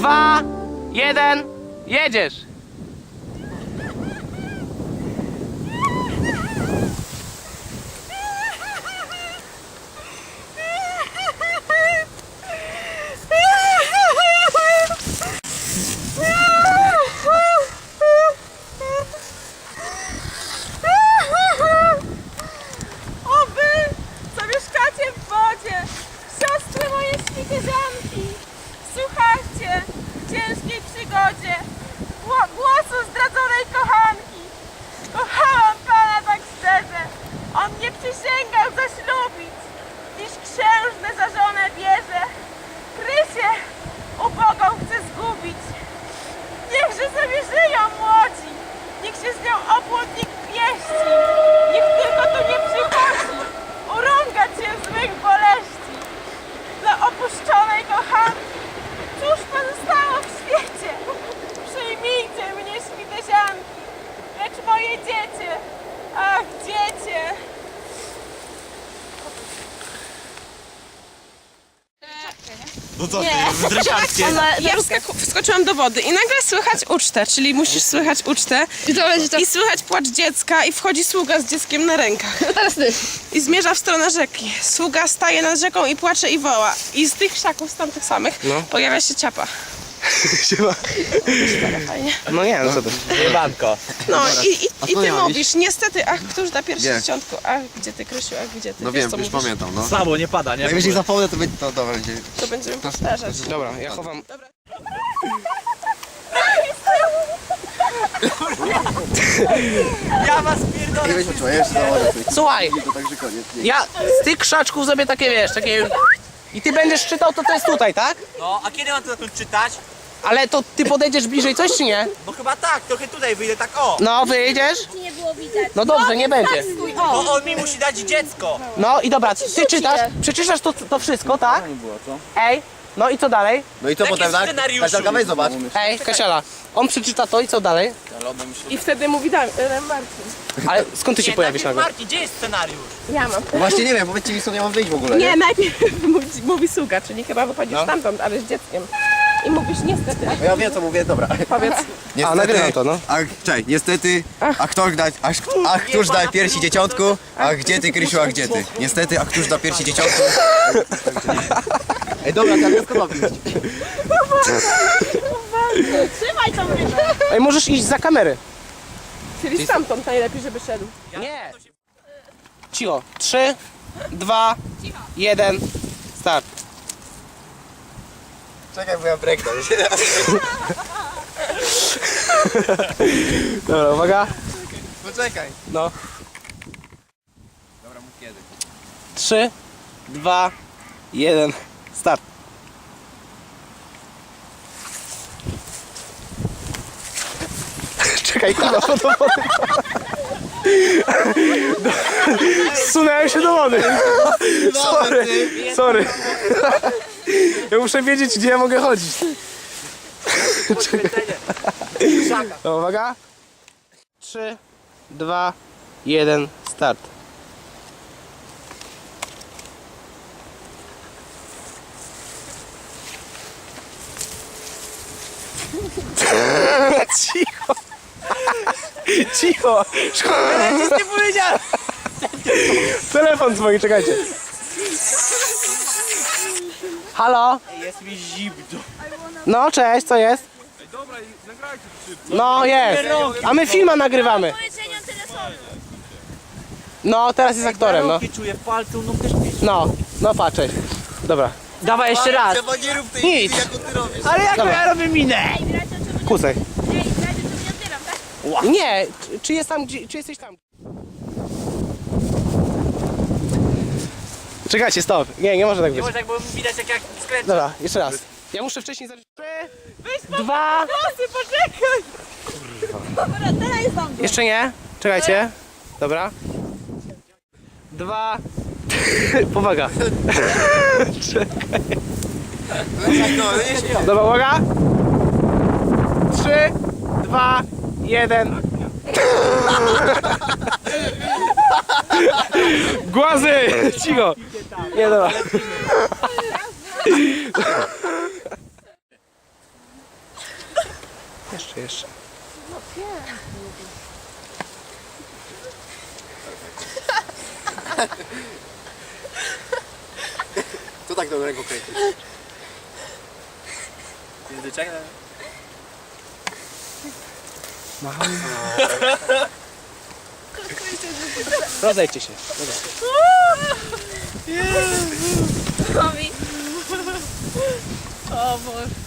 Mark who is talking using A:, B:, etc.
A: 2, 1, jedziesz!
B: O wy, co mieszkacie w wodzie, siostry moje świterzanki, słuchajcie w ciężkiej przygodzie głosu zdradzonej kochanki. Kochałam Pana tak szczerze, On mnie przysięgał zaślubić, dziś księżnę za żonę bierze. Krysię ubogą chce zgubić, niechże sobie żyją młodzi, niech się z nią obłudnik pieści, niech tylko tu nie przychodzi, urągać się złych boleści. Dla opuszczonej kochanki, cóż pozostało w świecie? Przyjmijcie mnie, świtezianki, lecz moje dziecię, ach dziecię.
C: No co ty, wydrysiarskie.
B: Ja wskoczyłam do wody i nagle słychać ucztę, czyli musisz słychać ucztę
D: I to będzie to.
B: i słychać płacz dziecka i wchodzi sługa z dzieckiem na rękach.
D: Teraz ty.
B: I zmierza w stronę rzeki. Sługa staje nad rzeką i płacze i woła. I z tych krzaków, z tamtych samych, pojawia się ciapa. Fajnie.
A: No nie, no co to?
C: Jebanko.
B: No i ty mówisz, niestety, ach, któż da pierwsze dzieciątko? Ach, gdzie ty, Krysiu, ach, gdzie ty?
E: No
B: Wiesz,
E: wiem,
B: co
E: już
B: mówisz?
E: pamiętam, no.
C: Słabo, nie pada, nie?
E: Jak jeśli zapomnę, to będzie to dobra.
B: To będziemy powtarzać.
A: Dobra, ja chowam.
C: Ja was pierdolę.
E: Nie weźmy czuję, jeszcze założę coś.
A: Słuchaj,
E: To także koniec. Nie.
A: ja z tych krzaczków zrobię takie, wiesz, takie... I ty będziesz czytał, to jest tutaj, tak?
C: No, a kiedy mam to zacząć czytać?
A: Ale to ty podejdziesz bliżej coś, czy nie?
C: No chyba tak, trochę tutaj wyjdę, tak o.
A: No, wyjdziesz?
D: Nie było widać.
A: No dobrze, nie będzie.
C: Bo on mi musi dać dziecko.
A: No i dobra, ty czytasz, przeczytasz to wszystko, tak? Ej, no i co dalej?
E: No i co
C: Jaki
E: potem, tak?
C: scenariuszu?
E: Kasialka, weź zobacz.
A: Ej, Kasiala, on przeczyta to i co dalej?
B: I wtedy mówi Marcin.
A: Ale skąd ty się
C: Nie,
A: pojawisz
C: najpierw
A: nagle?
C: Marcin, gdzie jest scenariusz?
B: Ja mam.
E: Właśnie nie wiem, powiedzcie mi, skąd ja mam wyjść w ogóle,
B: Nie,
E: nie?
B: najpierw mówi sługa, czyli chyba wychodzisz stamtąd, ale z dzieckiem. I mówisz niestety,
E: No ja wiem, co mówię, dobra.
B: powiedz.
E: Niestety,
A: nagrywam to, no.
E: Czekaj, niestety, któż da piersi dzieciątku, a gdzie ty, Krysiu, a gdzie ty? Niestety, a któż da piersi dzieciątku? Ej, dobra, to ja skąd
D: Trzymaj tą rybę.
A: Ej, możesz iść za kamery.
B: Czyli stamtąd najlepiej, żeby szedł.
A: Nie. Cicho. 3, 2, 1, start.
E: Czekaj, bo ja breaknąć.
A: Dobra, uwaga.
E: Poczekaj.
A: No.
E: Dobra, mów kiedy.
A: 3, 2, 1, start. Czekaj, kurwa, do wody. Zsunąłem się do wody. Sorry. Ja muszę wiedzieć, gdzie ja mogę chodzić. No, uwaga. 3, 2, 1, start. Cicho. Cicho. Szkoda, nic nie powiedziałem. Telefon dzwoni, czekajcie. Halo?
C: Jest mi zimno.
A: No, cześć, co jest? No, jest. A my filma nagrywamy.
D: Powiedzenia telefonu.
A: No, teraz jest aktorem, no.
C: Rąki czuję w palcu, no też pisz.
A: No, patrz, cześć. Dobra.
C: Dawaj jeszcze raz.
E: Trzeba nie rób tej
A: Nic.
E: jaką ty robisz.
C: Ale jak ja robię minę?
D: Ej, bracie, co
A: Kusej.
D: Ej, bracie, co nie otwieram, tak?
A: Nie, czy jest tam, czy jesteś tam? Czekajcie, stop. Nie może tak
C: Nie
A: być.
C: może tak, bo widać jak skręcę.
A: Dobra, jeszcze raz. Ja muszę wcześniej zacząć. 3, 2.
B: Prosy, poczekaj!
D: Dobra, teraz jest tam.
A: Jeszcze nie. Czekajcie. Dobra. 2. Powaga. Dobra, uwaga. 3, 2, 1. Głazy! Cicho! Nie, dobra. Jeszcze.
E: Co tak do ręką kręcisz?
A: Rozejdźcie się.
B: O Boże.